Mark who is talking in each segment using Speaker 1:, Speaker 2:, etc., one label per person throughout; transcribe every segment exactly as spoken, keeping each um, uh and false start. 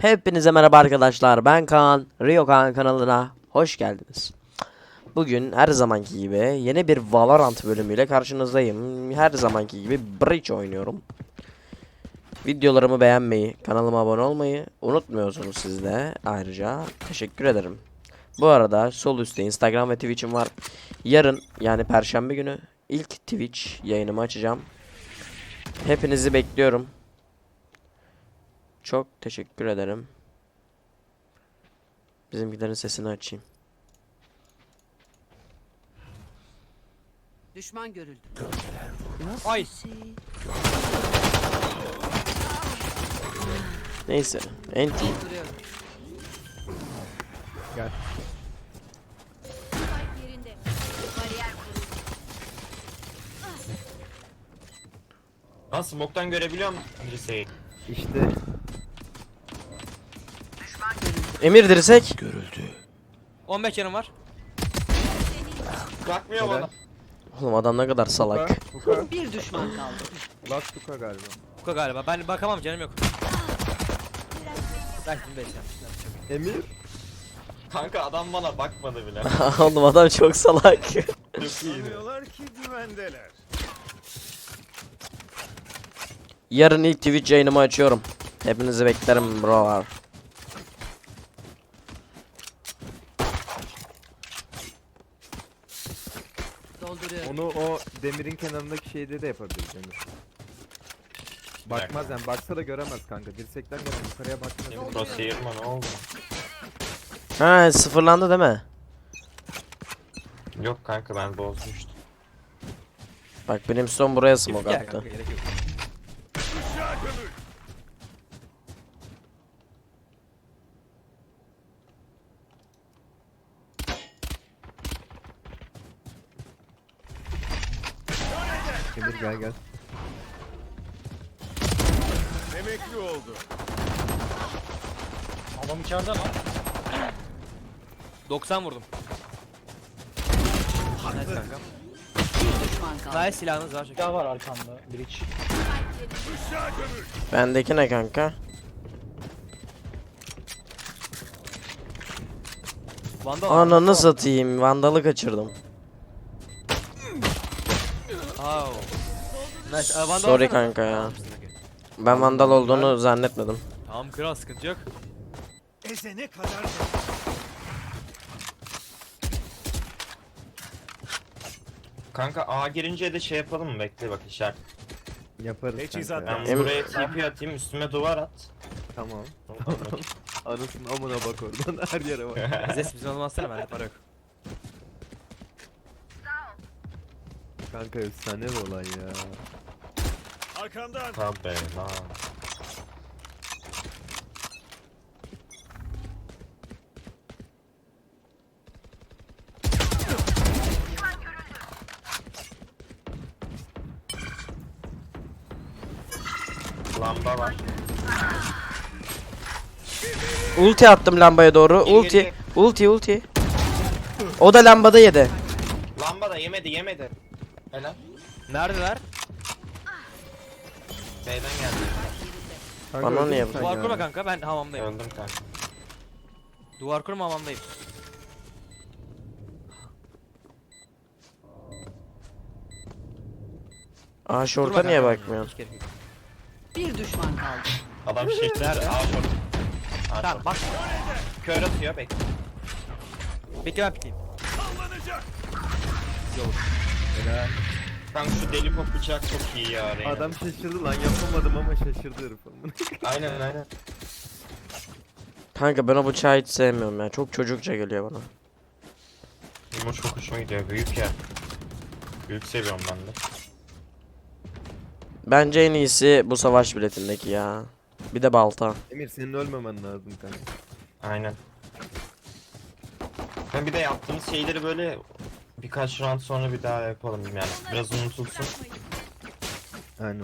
Speaker 1: Hepinize merhaba arkadaşlar, ben Kaan, Rio Kaan kanalına hoş geldiniz. Bugün her zamanki gibi yeni bir Valorant bölümüyle karşınızdayım. Her zamanki gibi Breach oynuyorum. Videolarımı beğenmeyi, kanalıma abone olmayı unutmuyorsunuz siz de. Ayrıca teşekkür ederim. Bu arada sol üstte Instagram ve Twitch'im var. Yarın, yani Perşembe günü ilk Twitch yayınımı açacağım. Hepinizi bekliyorum. Çok teşekkür ederim. Bizimkilerin sesini açayım.
Speaker 2: Düşman görüldü.
Speaker 3: Ay.
Speaker 1: Neyse. Enti.
Speaker 2: Duruyorum.
Speaker 3: Gel.
Speaker 2: Yerinde. Bariyer kuruldu.
Speaker 4: Lan smoke'tan görebiliyor musun Liseyi?
Speaker 3: İşte
Speaker 1: Emir dirsek.
Speaker 3: on beş yanım var.
Speaker 4: Bakmıyor
Speaker 3: Helal.
Speaker 4: bana.
Speaker 1: Oğlum adam ne kadar salak.
Speaker 3: Kuka.
Speaker 2: Bir düşman kaldı.
Speaker 3: Last Kuka galiba. Kuka galiba. Ben bakamam, canım yok. Belki beş yanmışlar. Emir.
Speaker 4: Kanka adam bana bakmadı bile.
Speaker 1: Oğlum adam çok salak.
Speaker 4: Çok iyiydi.
Speaker 5: Sanıyorlar ki güvendeler.
Speaker 1: Yarın ilk Twitch yayınımı açıyorum. Hepinizi beklerim brolar.
Speaker 2: Dolduruyorum.
Speaker 6: Onu o demirin kenarındaki şeyde de yapabiliriz Emir. Bakmaz yani, baksa da göremez kanka. Dirsekten gelen yukarıya bakmaz.
Speaker 4: Crosshair mı ne oldu?
Speaker 1: Ha, sıfırlandı değil mi?
Speaker 4: Yok kanka ben bozmuştum.
Speaker 1: Bak Brimstone buraya smoke
Speaker 3: Gel
Speaker 1: attı.
Speaker 3: kanka, gerek yok.
Speaker 6: Emir gel gel.
Speaker 5: Emekli oldu.
Speaker 3: Adam içeride lan. doksan vurdum. Nice kanka.
Speaker 2: Bir düşman kaldı.
Speaker 3: Nice, silahınız var. Silah var arkamda. Breach.
Speaker 1: Bendeki ne kanka?
Speaker 3: Vandal.
Speaker 1: Ananı satayım. Vandalı kaçırdım.
Speaker 3: Oh. Nice. Aa, Vandal
Speaker 1: Sorry
Speaker 3: alsana.
Speaker 1: kanka ya.
Speaker 3: Tamam,
Speaker 1: Ben vandal olduğunu zannetmedim.
Speaker 3: Tamam kral, sıkıntı yok.
Speaker 5: Ezene kadar
Speaker 4: Kanka A girince de şey yapalım mı? Bekle bak işaret.
Speaker 6: Yaparız
Speaker 5: Teçhizat
Speaker 6: kanka.
Speaker 4: Ben
Speaker 6: ya.
Speaker 1: Em-
Speaker 4: buraya T P atayım üstüme duvar at.
Speaker 6: Tamam.
Speaker 4: Ondan bak.
Speaker 6: Anasını amına bak oradan, her yere bak.
Speaker 3: Zes bizim olmazsana, bende para yok.
Speaker 6: Kanka efsane bir olay ya.
Speaker 5: arkandan.
Speaker 4: Tabi lan. Lamba var.
Speaker 1: Ulti attım lambaya doğru.
Speaker 4: Geri,
Speaker 1: Ulti.
Speaker 4: geri.
Speaker 1: Ulti ulti. O da lambada yedi.
Speaker 4: Lamba da yemedi yemedi. Helal.
Speaker 3: Neredeler?
Speaker 4: B'den geldi.
Speaker 6: Kanka
Speaker 1: Bana
Speaker 6: öldün
Speaker 1: niye
Speaker 6: mü
Speaker 1: bu-
Speaker 6: sen
Speaker 3: Duvar
Speaker 6: ya?
Speaker 3: kurma kanka, ben hamamdayım.
Speaker 4: Öldüm kanka.
Speaker 3: Duvar kurma, hamamdayım.
Speaker 1: Aa, şorta
Speaker 3: Kurma
Speaker 1: niye
Speaker 3: kanka.
Speaker 1: bakmıyorsun?
Speaker 3: Hiç gerek yok.
Speaker 2: Bir düşman kaldı.
Speaker 4: Adam şişti.
Speaker 3: Nerede?
Speaker 4: A short. A
Speaker 3: Tamam
Speaker 4: short.
Speaker 3: bak.
Speaker 4: Kör atıyor bekle.
Speaker 3: Bekle, ben pikleyeyim.
Speaker 5: Sallanacak.
Speaker 4: Kanka şu deli pop bıçak çok iyi ya. Reyna.
Speaker 6: Adam şaşırdı lan, yapamadım ama şaşırdı herif.
Speaker 4: Aynen aynen.
Speaker 1: Kanka ben o bıçağı hiç sevmiyorum ya. Çok çocukça geliyor bana.
Speaker 4: Benim o çok hoşuma gidiyor. Büyük ya. Büyük seviyorum ben de.
Speaker 1: Bence en iyisi bu savaş biletindeki ya. Bir de balta.
Speaker 6: Emir senin ölmemen lazım kanka.
Speaker 4: Aynen. Ben bir de yaptığımız şeyleri böyle birkaç round sonra bir daha yapalım yani. Biraz unutulsun.
Speaker 6: Aynen.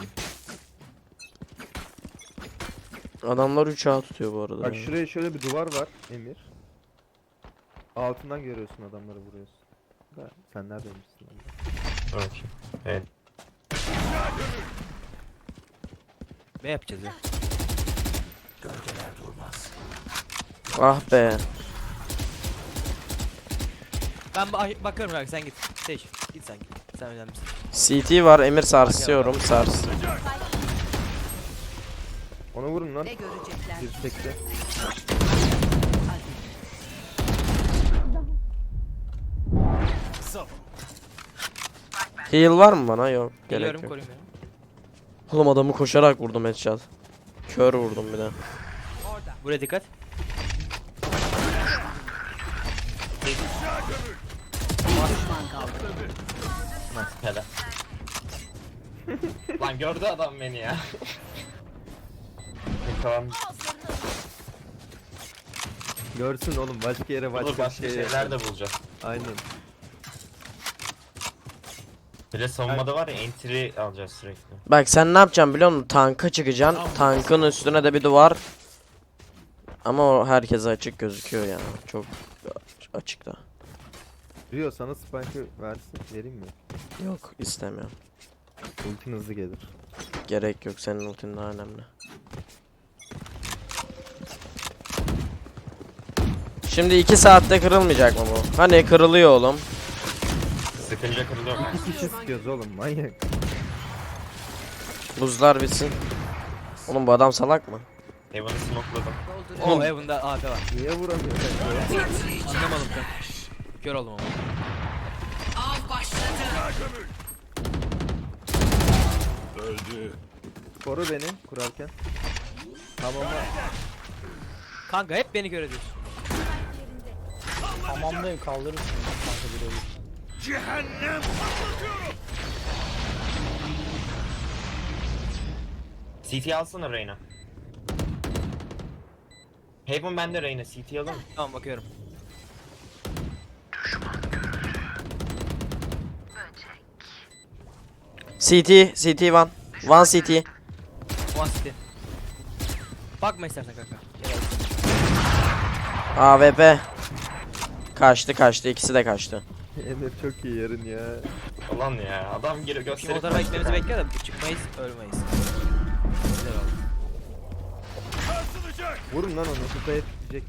Speaker 1: Adamlar üç A tutuyor bu arada.
Speaker 6: Bak
Speaker 1: ya.
Speaker 6: şuraya şöyle bir duvar var Emir. Altından görüyorsun, adamları vuruyorsun. Ha, sen neredeymişsin lan?
Speaker 4: Dur bakayım. Evet.
Speaker 3: Ne yapacağız ya?
Speaker 1: Ah be.
Speaker 3: Ben ba- bakıyorum kanka sen git. Seç. Git sen git. Sen önemlisin.
Speaker 1: C T var, Emir sarsıyorum, sars.
Speaker 6: Ona vurun lan.
Speaker 2: Ne görecekler?
Speaker 6: Bir tekte.
Speaker 5: Zavallı.
Speaker 1: Heal var mı bana? Yok. Gerek
Speaker 3: Geliyorum
Speaker 1: yok.
Speaker 3: koruyayım beni.
Speaker 1: Oğlum adamı koşarak vurdum headshot. Kör vurdum bir de.
Speaker 3: Buraya dikkat.
Speaker 2: Bir düşman kaldı.
Speaker 4: Hele. Lan gördü adam beni ya. Tamam.
Speaker 6: Görsün oğlum, başka yere başka,
Speaker 4: Olur başka
Speaker 6: bir şey
Speaker 4: şeyler
Speaker 6: yapar.
Speaker 4: de bulacağız.
Speaker 6: Aynen.
Speaker 4: Bir de savunmada var ya entry alacağız sürekli.
Speaker 1: Bak sen ne yapacaksın biliyor musun? Tanka çıkacaksın. Tankın üstüne de bir duvar. Ama o herkese açık gözüküyor yani. Çok açıkta.
Speaker 6: Rio sana spike'ı versin, vereyim mi?
Speaker 1: Yok istemiyorum.
Speaker 6: Ultin hızlı gelir.
Speaker 1: Gerek yok, senin ultin daha önemli. Şimdi iki saatte kırılmayacak mı bu? Hani kırılıyor oğlum.
Speaker 4: Sıkınca kırılıyor.
Speaker 6: İki kişi sıkıyoruz oğlum, manyak.
Speaker 1: Buzlar bitsin. Oğlum bu adam salak mı?
Speaker 4: Heaven'ı smokeladım.
Speaker 2: Dolduruyorum.
Speaker 3: Oo Heaven'da A P var.
Speaker 6: Niye vuramıyor?
Speaker 3: Anlamadım kanka. Kör oldum ama.
Speaker 2: Av başladı.
Speaker 5: Öldü.
Speaker 6: Koru beni kurarken. Tamam mı?
Speaker 3: Kanka hep beni kör ediyorsun.
Speaker 7: Tamamlayın, kaldırırsın kanka bir olur.
Speaker 5: Cehennem patlatıyorum.
Speaker 4: C T alsana Reyna. Haven bende Reyna, C T alın.
Speaker 3: Tamam bakıyorum.
Speaker 1: C T, C T one. One C T.
Speaker 3: One city. Bakma istersen kanka. Gel.
Speaker 1: A W P. Kaçtı kaçtı, ikisi de kaçtı.
Speaker 6: Emir çok iyi yarın ya.
Speaker 4: Ulan ya adam geri
Speaker 3: Şimdi o
Speaker 4: gösterip
Speaker 3: tarafa gitmemizi bekliyor da çıkmayız, ölmeyiz. Güzel oldu.
Speaker 5: Sarsılacak.
Speaker 6: Vurun lan onu, kupaya tutacak.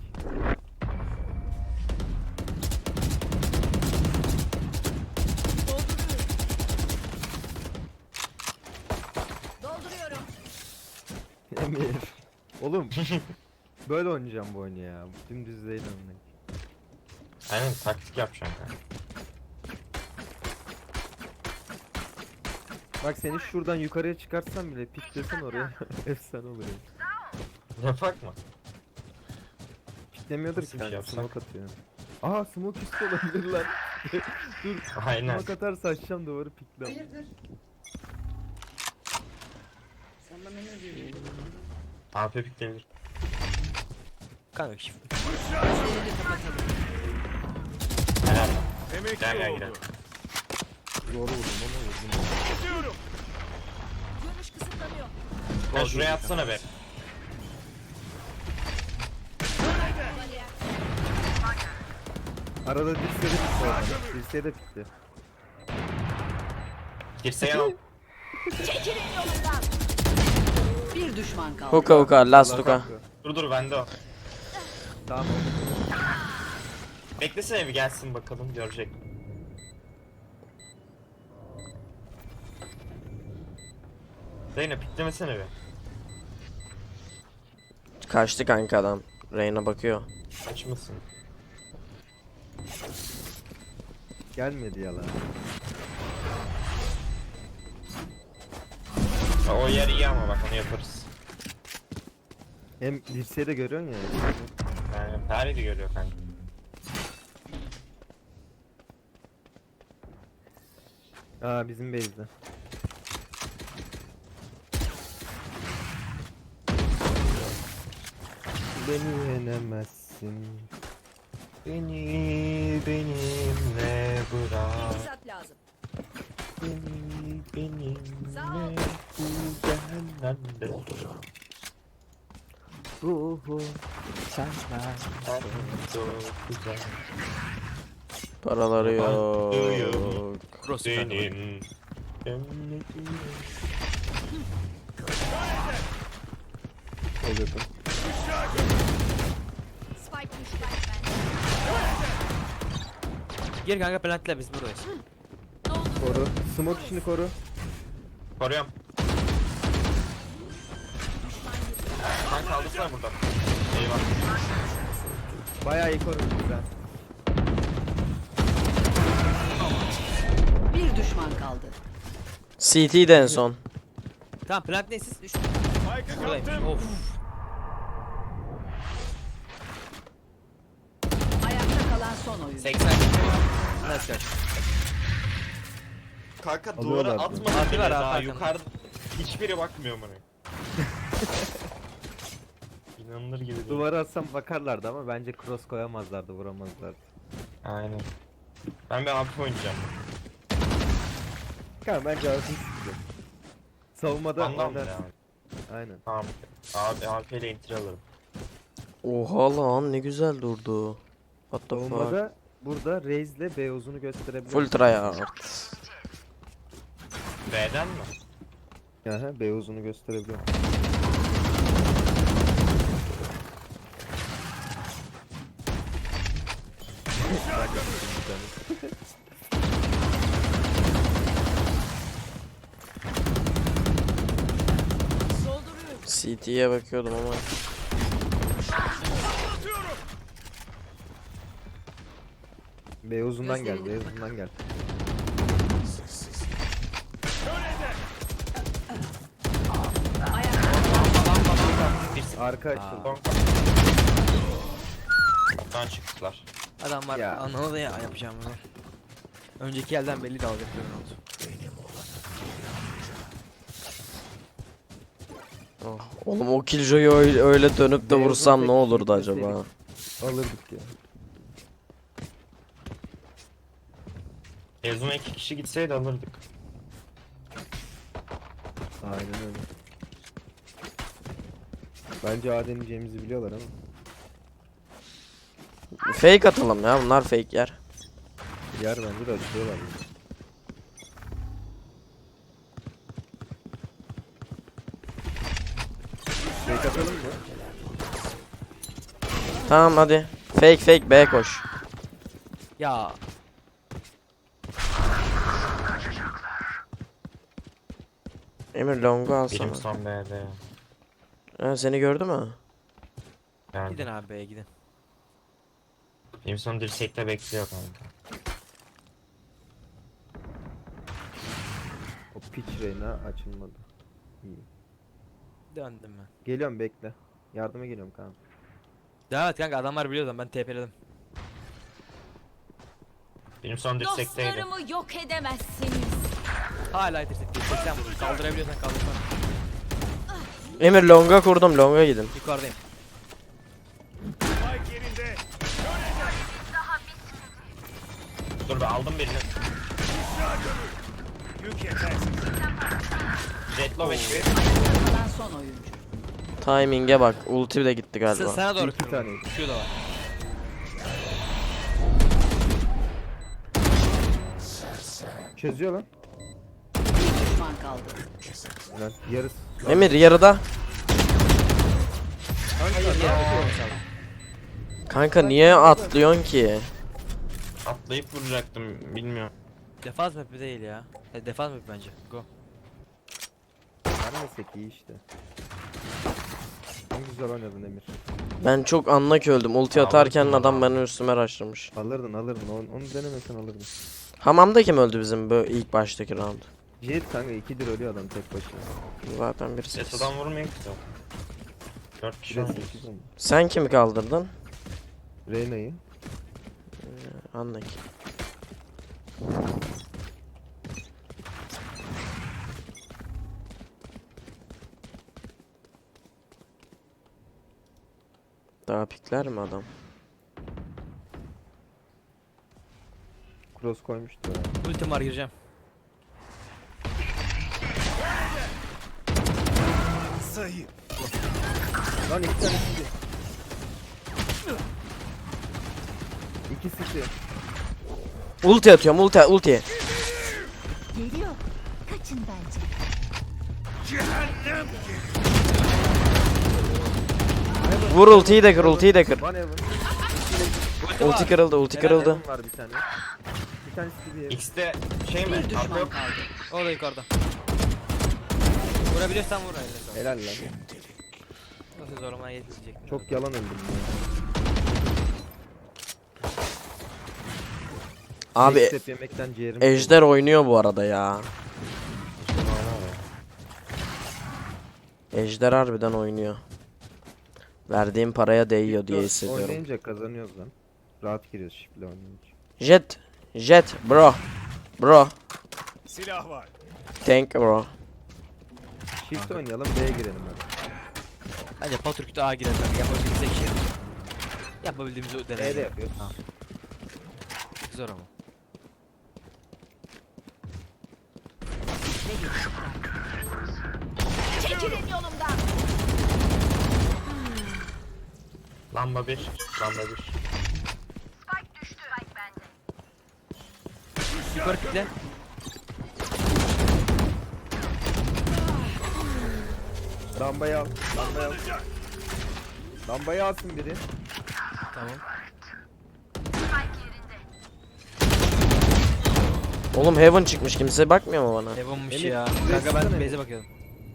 Speaker 2: Dolduruyorum.
Speaker 6: Emir. Oğlum. Böyle oynayacağım bu oyunu ya. Dümdüz değil anlayın.
Speaker 4: Aynen taktik yapacağım kanka.
Speaker 6: Bak seni şuradan yukarıya çıkartsam bile piklesen oraya efsane olur ya.
Speaker 4: Yapak mı?
Speaker 6: Piklemiyordur
Speaker 4: Nasıl
Speaker 6: ki
Speaker 4: bir şey
Speaker 6: kanka,
Speaker 4: yapsak?
Speaker 6: smoke atıyor. Aa smoke üstü olabilir lan. Dur
Speaker 4: Aynen.
Speaker 6: smoke atarsa açacağım duvarı pikle.
Speaker 4: A P piklenir.
Speaker 3: Kanka shift.
Speaker 2: Gözlerini kapatalım.
Speaker 4: Helal.
Speaker 5: Emekli
Speaker 4: Gel, gel,
Speaker 5: oldu.
Speaker 4: gel.
Speaker 6: Doğru vurdum ama vurdum.
Speaker 5: Gidiyorum.
Speaker 2: Görüş kısıtlanıyor.
Speaker 4: Ben şuraya atsana be.
Speaker 6: Arada dirseğe de pikle oradan. Dirseğe de pikle.
Speaker 4: Dirseğe al.
Speaker 2: Bir düşman kaldı.
Speaker 1: Hookah hookah, last hookah.
Speaker 4: Dur dur bende o.
Speaker 6: Tamam.
Speaker 4: Beklesene bir gelsin bakalım görecek. Reyna piklemesene bir.
Speaker 1: Kaçtı kanka adam. Reyna bakıyor.
Speaker 4: Açmasın.
Speaker 6: Gelmedi yalan.
Speaker 4: Ha, o yer iyi ama bak onu yaparız.
Speaker 6: Hem dirseği de görüyorsun ya.
Speaker 4: Yani her yeri görüyor kanka.
Speaker 6: Aa bizim base'de. Beni yenemezsin.
Speaker 4: Beni benimle bırak.
Speaker 2: Teçhizat lazım.
Speaker 4: Beni benimle
Speaker 2: Sağ ol.
Speaker 4: bu cehennemde.
Speaker 6: Ruhu.
Speaker 4: Sen çok güzel.
Speaker 1: Paraları yok.
Speaker 3: Cross kanka.
Speaker 4: Senin cennetin.
Speaker 6: Ol yakın.
Speaker 2: Spike
Speaker 3: Gir kanka plantla biz buradayız.
Speaker 6: Koru. Smoke işini koru.
Speaker 4: Koruyorum. Sen kaldırsana buradan. Eyvah.
Speaker 6: Bayağı iyi koru. Güzel.
Speaker 2: Bir düşman kaldı.
Speaker 1: C T'de en son.
Speaker 3: Tamam plant ne siz? Üç.
Speaker 5: Spike'ı
Speaker 3: Buradaymış.
Speaker 5: kaptım.
Speaker 3: Of.
Speaker 2: Ayakta kalan son oyuncu.
Speaker 4: seksen.
Speaker 3: Nice kaç.
Speaker 4: Kanka
Speaker 6: Alıyorlar
Speaker 4: duvara
Speaker 6: bunu.
Speaker 4: atmadı
Speaker 3: Atıyorlar
Speaker 4: bile
Speaker 3: abi,
Speaker 4: daha
Speaker 3: arkadan.
Speaker 4: yukarıda. Hiçbiri bakmıyor bana. İnanılır gibi değil.
Speaker 6: Duvara atsam bakarlardı ama bence cross koyamazlardı, vuramazlardı.
Speaker 4: Aynen. Ben bir A P oynayacağım.
Speaker 6: Kanka bence arasını sıkacak. Savunmada
Speaker 4: Anlam mı
Speaker 6: oynarsın.
Speaker 4: ya?
Speaker 6: Aynen.
Speaker 4: Tamam. Abi A P ile enter alırım.
Speaker 1: Oha lan ne güzel durdu. What the fuck.
Speaker 6: Savunmada burada Raze'le Beyoz'unu gösterebilir.
Speaker 1: Full tryhard.
Speaker 4: B'den mi?
Speaker 6: Aha, Beyoz'unu gösterebiliyor.
Speaker 1: C T'ye bakıyordum ama.
Speaker 6: Beyoz'undan gel, Beyoz'undan gel. Arka açıldı.
Speaker 4: Son Kaptan çıktılar.
Speaker 3: Adam var.
Speaker 6: Ya.
Speaker 3: Anladı ya yapacağım bunu. Önceki elden belli de alacak bir oldu.
Speaker 1: Oh, oğlum o Killjoy'u öyle, öyle dönüp de
Speaker 6: Beyazın
Speaker 1: vursam
Speaker 6: tek
Speaker 1: ne olurdu
Speaker 6: gitmeseydik.
Speaker 1: acaba?
Speaker 6: Alırdık ya.
Speaker 4: Ezuma iki kişi gitseydi alırdık.
Speaker 6: Aynen öyle. Bence A deneyeceğimizi biliyorlar ama.
Speaker 1: Fake atalım ya, bunlar fake yer.
Speaker 6: Yer bence de açıyorlar. Fake atalım mı?
Speaker 1: Tamam hadi. Fake fake B koş.
Speaker 3: Ya
Speaker 1: Emir longu alsana.
Speaker 4: Benim son B'de.
Speaker 1: Ha, seni gördü mü?
Speaker 4: Yani
Speaker 3: gidin abi B'ye gidin.
Speaker 4: benim son dirsekte bekliyor kanka.
Speaker 6: O pitch Reyna açılmadı. İyi.
Speaker 3: Döndüm ben.
Speaker 6: Geliyorum bekle. Yardıma geliyorum kanka.
Speaker 3: Devam et kanka adamlar biliyordu ben T P'ledim.
Speaker 4: Benim son dirsekteydi.
Speaker 8: Dostlarımı yok edemezsiniz.
Speaker 3: Hala yetiştik. seksen vurdu. Kaldırabiliyorsan kaldırsana.
Speaker 1: Emir longa kurdum, longa gidin.
Speaker 3: Yukarıdayım.
Speaker 5: Spike yerinde.
Speaker 4: Dur be aldım birini.
Speaker 5: Yük yetersiz.
Speaker 4: Jetlo bekliyor.
Speaker 2: Ayakta kalan son oyuncu.
Speaker 1: Timing'e bak. Ulti de gitti
Speaker 3: Sen,
Speaker 1: galiba.
Speaker 3: sana doğru
Speaker 6: İki
Speaker 3: kırıldım.
Speaker 6: taneydi.
Speaker 3: Şu da var.
Speaker 6: Çözüyor lan.
Speaker 2: Bir düşman kaldı.
Speaker 6: Lan yarısı.
Speaker 1: Emir yarıda. Kanka niye atlıyorsun ki?
Speaker 4: Atlayıp vuracaktım bilmiyorum.
Speaker 3: Defans map'i değil ya. E, defans map'i bence. Go.
Speaker 6: Vermesek iyi işte. En güzel oynadın Emir.
Speaker 1: Ben çok anlak öldüm. Ulti
Speaker 4: Aa,
Speaker 1: atarken
Speaker 4: bakın
Speaker 1: adam
Speaker 4: ya.
Speaker 1: benim üstüme rushlamış.
Speaker 6: Alırdın alırdın. Onu, onu denemesen alırdın.
Speaker 1: Hamamda kim öldü bizim bu ilk baştaki round?
Speaker 6: Jet kanka ikidir ölüyor adam tek başına.
Speaker 1: Zaten birisi.
Speaker 4: Jeto'dan vurmayın ki zaten. Dört kişi
Speaker 6: Biraz
Speaker 4: oynuyoruz.
Speaker 6: sekiz olmuş.
Speaker 1: Sen kimi kaldırdın?
Speaker 6: Reyna'yı.
Speaker 1: Anlak. Daha pikler mi adam?
Speaker 6: Cross koymuştu ya.
Speaker 3: Ultim var gireceğim.
Speaker 5: Zayıf.
Speaker 6: Lan iki tane city. İki city.
Speaker 1: Ulti atıyorum, ulti, ulti.
Speaker 8: Geliyor. Kaçın bence.
Speaker 5: Cehennem.
Speaker 1: Vur ultiyi de kır, ultiyi de kır.
Speaker 6: One heaven.
Speaker 3: Ulti var.
Speaker 1: Ulti kırıldı, ulti
Speaker 3: Helal,
Speaker 1: kırıldı.
Speaker 6: Heaven var bir tane. Bir tanesi bir
Speaker 4: X'te şey mi?
Speaker 2: Bir
Speaker 4: Arka
Speaker 2: düşman
Speaker 4: yok.
Speaker 2: kaldı.
Speaker 3: O da yukarıda. Vurabiliyorsan vur. Helal.
Speaker 6: helal lan.
Speaker 3: Nasıl zorlamaya yetişecek.
Speaker 6: Çok yalan öldüm ya.
Speaker 1: Abi
Speaker 6: Tek step yemekten ciğerim.
Speaker 1: Ejder oynuyor bu arada ya. Ejder harbiden oynuyor. Verdiğim paraya değiyor diye hissediyorum.
Speaker 6: Oynayınca kazanıyoruz lan. Rahat giriyoruz şifle oynayınca.
Speaker 1: Jet, Jet, bro, bro,
Speaker 5: Silah var.
Speaker 1: thank you bro.
Speaker 6: Shift oynayalım B'ye girelim hadi.
Speaker 3: Bence Patrick'te A girer. Yapabildiğimiz şey. Yapabildiğimizi
Speaker 6: B'de
Speaker 3: deneyelim.
Speaker 6: yapıyoruz.
Speaker 3: Zor ama.
Speaker 8: Çekilin yolumdan.
Speaker 4: Lamba bir. Lamba bir.
Speaker 3: Yukarı kitle.
Speaker 6: Lambayı al. Lambayı al. Lambayı alsın biri.
Speaker 3: Tamam.
Speaker 1: Oğlum Heaven çıkmış, kimse bakmıyor mu bana?
Speaker 3: Evan'mış
Speaker 6: Emir,
Speaker 3: ya.
Speaker 6: bir
Speaker 3: Kanka
Speaker 6: baksana
Speaker 3: ben
Speaker 6: Emir.
Speaker 3: base'e bakıyordum.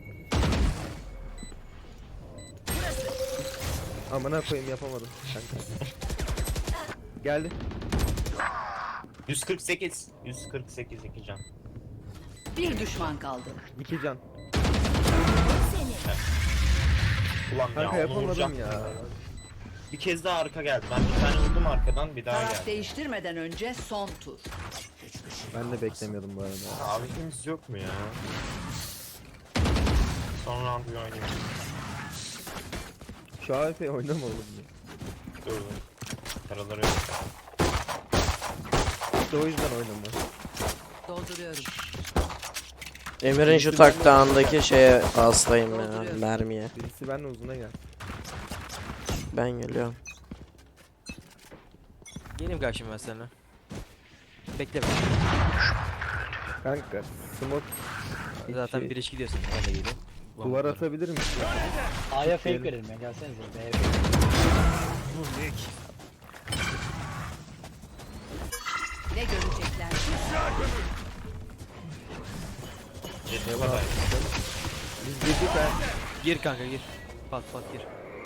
Speaker 6: Amına koyayım yapamadım. Kanka. Geldi.
Speaker 4: yüz kırk sekiz. yüz kırk sekiz iki can.
Speaker 2: Bir düşman kaldı.
Speaker 6: İki can.
Speaker 4: Ulan
Speaker 6: Kanka
Speaker 4: ya onu
Speaker 6: yapamadım
Speaker 4: vuracaktım
Speaker 6: ya.
Speaker 4: Bir kez daha arka geldi. Ben bir tane vurdum arkadan bir daha
Speaker 2: Taraf
Speaker 4: geldi.
Speaker 2: değiştirmeden önce son tur.
Speaker 6: Ben de beklemiyordum bu arada.
Speaker 4: Abi kimse yok mu ya? Son round bir oynayayım.
Speaker 6: Şu A F oynama oğlum ya.
Speaker 4: Dur dur. Paraları yok.
Speaker 6: İşte o yüzden oynama.
Speaker 2: Dolduruyorum.
Speaker 1: Emir'in şu taktağındaki şeye hastayım ya, mermiye.
Speaker 6: Birisi benle uzuna gel.
Speaker 1: Ben geliyorum.
Speaker 3: Geleyim karşıma ben seninle. Bekle beni.
Speaker 6: Kanka smoke
Speaker 3: Zaten
Speaker 6: şey,
Speaker 3: bir iş gidiyorsun. Ben de geleyim.
Speaker 6: duvar atabilir misin?
Speaker 7: A'ya fake verelim ya. Gelsenize. B'ye fake.
Speaker 5: Bu ne ki?
Speaker 2: Ne görecekler?
Speaker 4: Jet'e kadar.
Speaker 6: Biz girdik ha.
Speaker 3: Gir kanka gir. Pat pat gir.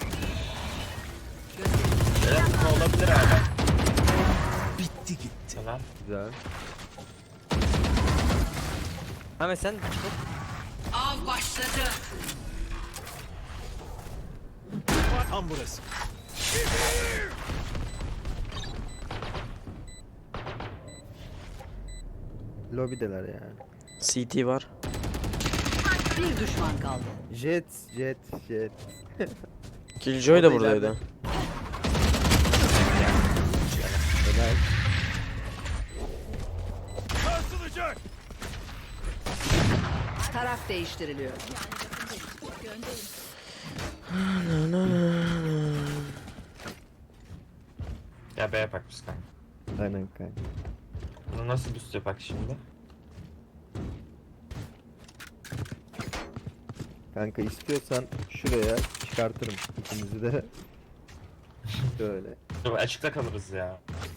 Speaker 4: Evet bu olabilir abi.
Speaker 5: Bitti gitti.
Speaker 4: Helal.
Speaker 6: Güzel.
Speaker 3: Ahmet sen
Speaker 2: Av başladı.
Speaker 5: Tam burası.
Speaker 6: Lobideler ya.
Speaker 1: C T var.
Speaker 2: Bir düşman kaldı.
Speaker 6: Jet, jet, jet.
Speaker 1: Killjoy da
Speaker 6: O da
Speaker 1: buradaydı.
Speaker 6: ileride. Helal.
Speaker 5: Sarsılacak.
Speaker 2: Taraf değiştiriliyor.
Speaker 4: Ya B'ye bak biz kanka.
Speaker 6: Aynen kanka.
Speaker 4: Bunu nasıl üst yapak şimdi?
Speaker 6: Kanka istiyorsan şuraya çıkartırım ikimizi de. Böyle.
Speaker 4: Dur açıkta kalırız ya.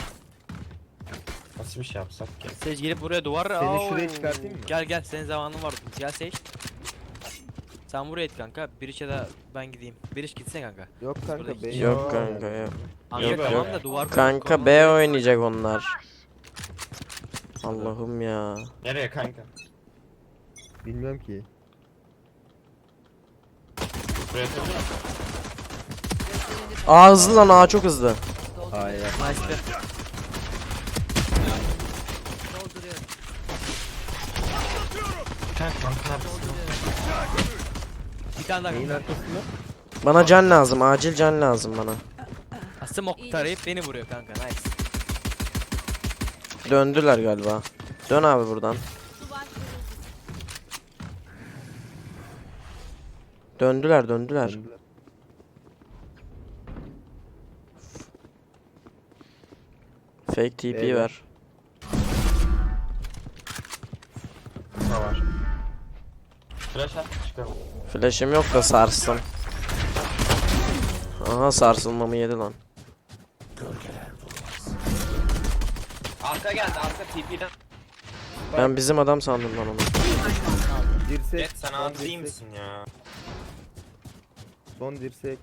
Speaker 4: Nasıl bir şey yapsak ki?
Speaker 3: Sage gelip buraya duvar.
Speaker 6: Seni
Speaker 3: Au!
Speaker 6: şuraya çıkartayım mı?
Speaker 3: Gel gel senin zamanın var. Gel Sage. Sen buraya et kanka. Bir işe de ben gideyim. Bir iş gitsene kanka.
Speaker 6: Yok kanka
Speaker 3: Burada
Speaker 6: B.
Speaker 1: Yok kanka yok.
Speaker 3: Kanka
Speaker 1: Yok,
Speaker 3: tamam
Speaker 1: yok.
Speaker 3: da duvar.
Speaker 1: Kanka B oynayacak onlar. Allah'ım ya.
Speaker 4: Nereye kanka?
Speaker 6: Bilmiyorum ki.
Speaker 4: Buraya atabiliyor musun?
Speaker 1: Aa hızlı lan, aa çok hızlı.
Speaker 6: Hayır.
Speaker 3: Nice be.
Speaker 2: Dolduruyorum.
Speaker 4: Kanka kanka neredesin?
Speaker 3: Bir tane daha
Speaker 6: Neyin
Speaker 3: kanka.
Speaker 6: arkasında?
Speaker 1: Bana can lazım, acil can lazım bana.
Speaker 3: Smoke tarayıp beni vuruyor kanka. Nice.
Speaker 1: Döndüler galiba. Dön abi buradan. Döndüler döndüler.
Speaker 6: Döndüler.
Speaker 1: Fake T P
Speaker 6: Beyler.
Speaker 1: ver.
Speaker 4: Ne var? Flash at çıkalım.
Speaker 1: Flash'im yok da sarstım. Aha sarsılmamı yedi lan.
Speaker 4: Arka geldi arka T P'den.
Speaker 1: Ben bizim adam sandım lan onu.
Speaker 2: Bir düşman kaldı.
Speaker 6: Dirsek.
Speaker 4: Jet sen
Speaker 6: son
Speaker 4: abi değil
Speaker 6: dirsek,
Speaker 4: misin ya?
Speaker 6: Son dirsek.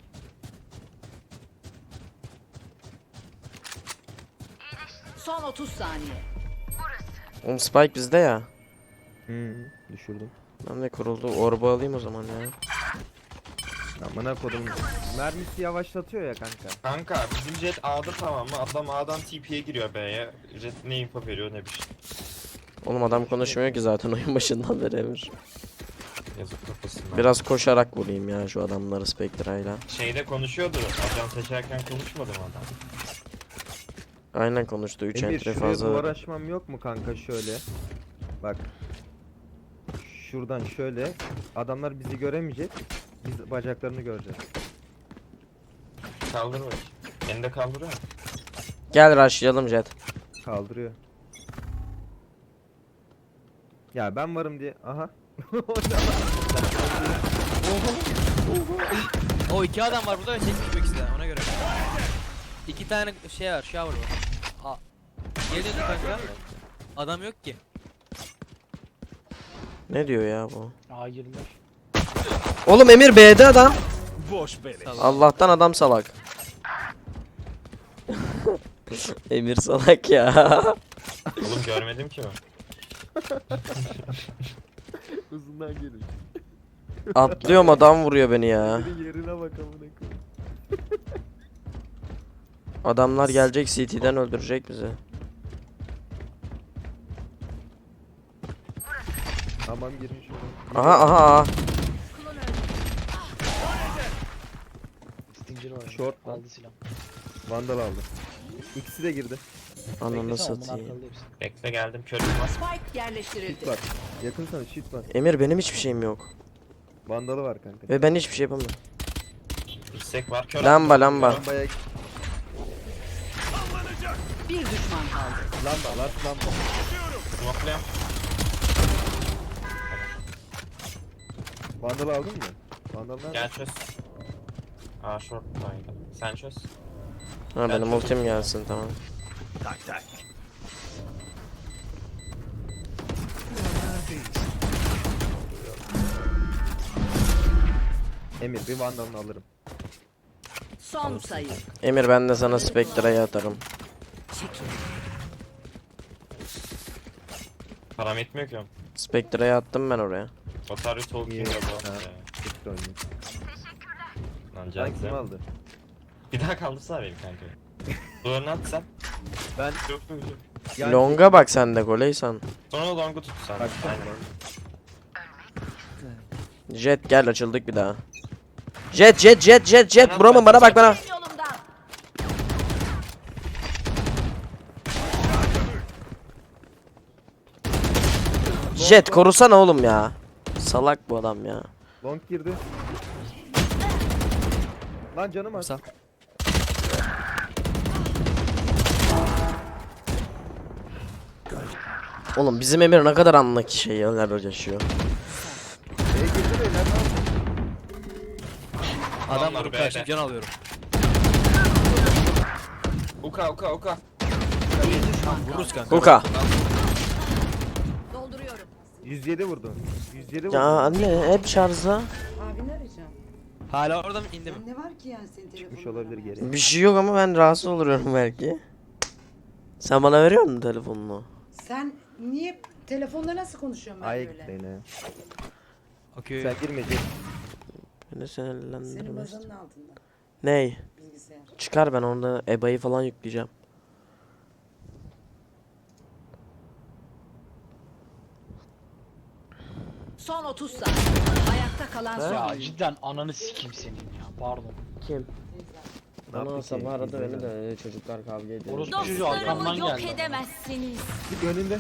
Speaker 2: Son otuz saniye.
Speaker 1: Oğlum Spike bizde ya.
Speaker 6: Hı, düşürdüm.
Speaker 1: Ben de kuruldu. Orba alayım o zaman ya.
Speaker 6: Amına kodum. Mermisi yavaşlatıyor ya kanka.
Speaker 4: Kanka bizim Jet A'da tamam mı? Adam A'dan T P'ye giriyor B'ye. Jet ne info veriyor ne bir şey.
Speaker 1: Oğlum adam konuşmuyor ki zaten oyun başından beri Emir.
Speaker 4: Yazık kafasından.
Speaker 1: Biraz koşarak vurayım ya şu adamları Spectre'yla.
Speaker 4: Şeyde konuşuyordu. Ajan seçerken konuşmadı mı adam?
Speaker 1: Aynen konuştu. üç
Speaker 6: Emir
Speaker 1: entry
Speaker 6: şuraya duvar
Speaker 1: fazla.
Speaker 6: açmam yok mu kanka şöyle? Bak. Şuradan şöyle. Adamlar bizi göremeyecek. Biz bacaklarını göreceğiz.
Speaker 4: Kaldır bak. Beni de kaldırıyor mu?
Speaker 1: Gel rushlayalım Jet.
Speaker 6: Kaldırıyor. Ya ben varım diye. Aha.
Speaker 3: O iki adam var burada ve çekmiş bu ikisi de ona göre. İki tane şey var, shower var. Aa. Geliyordu kanka. Adam yok ki.
Speaker 1: Ne diyor ya bu?
Speaker 7: A yirmi beş.
Speaker 1: Oğlum Emir B'de adam.
Speaker 5: Boş beleş.
Speaker 1: Allah'tan adam salak. Emir salak ya.
Speaker 4: Oğlum görmedim ki ben.
Speaker 6: Uzundan gelin.
Speaker 1: Atlıyorum adam vuruyor beni ya.
Speaker 6: Senin yerine bak amına koyayım.
Speaker 1: Adamlar gelecek C T'den öldürecek bizi.
Speaker 6: Tamam girmiş oraya.
Speaker 1: Aha aha aha.
Speaker 7: Stinger var.
Speaker 6: Short lan.
Speaker 7: Aldı silah.
Speaker 6: Vandal aldı. İkisi de girdi.
Speaker 1: Ananı
Speaker 7: Beklesene, onun
Speaker 1: satayım.
Speaker 7: arkalı hepsi.
Speaker 4: Bekle geldim körüm var.
Speaker 2: Spike yerleştirildi.
Speaker 6: Shit var. Yakın sana shit var.
Speaker 1: Emir benim hiçbir şeyim yok.
Speaker 6: Vandalı var kanka.
Speaker 1: Ve ben hiçbir şey yapamıyorum.
Speaker 4: İstek var kör.
Speaker 1: Lamba lamba.
Speaker 6: Lambaya
Speaker 2: Bir düşman kaldı.
Speaker 6: lamba last lamba.
Speaker 4: Smoke'layım.
Speaker 6: Vandalı aldın mı? Vandal nerede?
Speaker 4: Gel çöz. Aa short aynen. Sen çöz.
Speaker 1: Ha benim ultim gelsin tamam.
Speaker 5: Tak tak.
Speaker 6: Emir bir vandalını alırım.
Speaker 2: Son sayı.
Speaker 1: Emir ben de sana Spectre'yi atarım.
Speaker 4: Param etmiyor ki.
Speaker 1: Spectre'yi attım ben oraya.
Speaker 4: Otaryo Tolkien
Speaker 6: İyi.
Speaker 4: de bu.
Speaker 6: Ha. Bitti oyunu.
Speaker 4: Lan
Speaker 6: Sen
Speaker 4: canım.
Speaker 6: kim aldı?
Speaker 4: Bir daha kaldırsana benim kanka. Duvarını at sen.
Speaker 6: Ben
Speaker 4: Yok yok yok.
Speaker 6: yani
Speaker 1: Longa bak sen de goleysan.
Speaker 4: Sonra longu tut sen.
Speaker 6: Bak
Speaker 4: Aynen.
Speaker 1: Jet gel açıldık bir daha. Jet jet jet jet jet buramı bana bak bana.
Speaker 8: Yolumdan.
Speaker 1: Jet korusana oğlum ya. Salak bu adam ya.
Speaker 6: long girdi. Lan canım az.
Speaker 3: Sağ.
Speaker 1: Oğlum bizim Emir ne kadar anlaki şey yerler yaşıyor.
Speaker 6: E girdi beyler ne yaptın?
Speaker 3: Adam
Speaker 4: Adamlar
Speaker 3: vurup
Speaker 4: B'de.
Speaker 3: karşı can alıyorum.
Speaker 4: Uka uka uka.
Speaker 2: Bir düşman kaldı.
Speaker 3: Vururuz kanka.
Speaker 1: Kuka.
Speaker 2: Dolduruyorum.
Speaker 6: yüz yedi vurdu. yüz yedi vurdu.
Speaker 1: Ya anne hep şarjda.
Speaker 9: Abini arayacağım.
Speaker 3: Hala orada mı indi mi?
Speaker 9: Ne var ki yani senin telefonunda?
Speaker 6: Çıkmış olabilir geri.
Speaker 1: Bir şey yok ama ben rahatsız oluyorum belki. Sen bana veriyor musun telefonunu?
Speaker 9: Sen niye telefonla nasıl konuşuyorsun ben
Speaker 6: Ay
Speaker 9: böyle?
Speaker 6: beni.
Speaker 3: Okey.
Speaker 6: Sen girmeyecek.
Speaker 1: Beni
Speaker 9: Senin
Speaker 1: sinirlendirmez.
Speaker 9: bazanın altında
Speaker 1: Ney?
Speaker 9: bilgisayar.
Speaker 1: Çıkar ben onda E B A'yı falan yükleyeceğim.
Speaker 2: Son otuz saniye. Ayakta kalan son
Speaker 7: Ya
Speaker 2: oyuncu.
Speaker 7: cidden ananı sikeyim senin ya. Pardon.
Speaker 1: Kim?
Speaker 6: Ne yaptı
Speaker 1: Bana
Speaker 6: ki?
Speaker 1: sabah aradı beni
Speaker 6: İzledi.
Speaker 1: de çocuklar kavga ediyor.
Speaker 7: Orospu çocuğu arkamdan
Speaker 8: Dostlarımı yok
Speaker 7: geldi.
Speaker 8: edemezsiniz.
Speaker 6: Git önünde.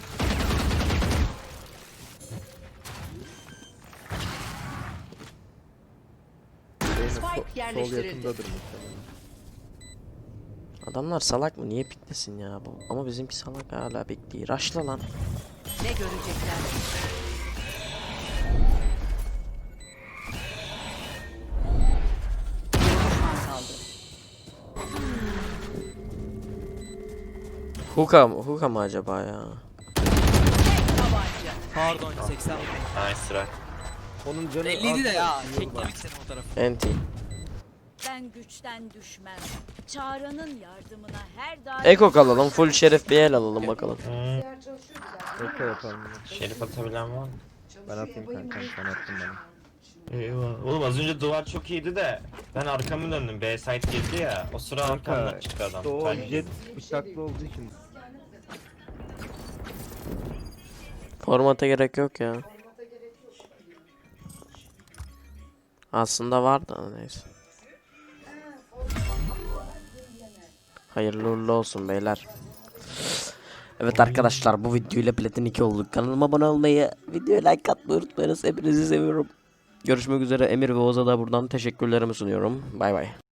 Speaker 6: Benim
Speaker 2: Spike
Speaker 6: sol- sol
Speaker 2: yerleştirildi.
Speaker 6: yakındadır muhtemelen.
Speaker 1: Adamlar salak mı? Niye piklesin ya bu? Ama bizimki salak hala bekliyor. Raşla lan.
Speaker 2: Ne görecekler? Bir düşman kaldı.
Speaker 1: Hookah mı? Hookah mı acaba ya?
Speaker 2: Tabanca.
Speaker 3: Pardon seksen.
Speaker 4: Nice sıra.
Speaker 6: Onun canı
Speaker 3: elliydi de
Speaker 6: az-
Speaker 3: ya. Kekledik seni o tarafı.
Speaker 1: Enti.
Speaker 8: Ben güçten düşmem. Çağrı'nın yardımına her daim...
Speaker 1: Eko alalım. Full şerif bir el alalım bakalım.
Speaker 4: Hmm,
Speaker 9: Bilgisayar çalışıyor güzel.
Speaker 6: Eko yapalım.
Speaker 4: şerif atabilen var mı?
Speaker 6: Ben atayım kanka. Sen attın bana.
Speaker 4: Eyvah. Oğlum az önce duvar çok iyiydi de ben arkamı döndüm. B site girdi ya. O sıra
Speaker 6: Kanka
Speaker 4: arkamdan çıktı adam.
Speaker 6: işte o
Speaker 4: Timing.
Speaker 6: jet bıçaklı olduğu için.
Speaker 1: Formata gerek yok ya. Aslında var da neyse. Hayırlı uğurlu olsun beyler. Evet arkadaşlar, bu videoyla Platin iki olduk. Kanalıma abone olmayı, videoya like atmayı unutmayınız. Hepinizi seviyorum. Görüşmek üzere. Emir ve Oz'a da buradan teşekkürlerimi sunuyorum. Bay bay.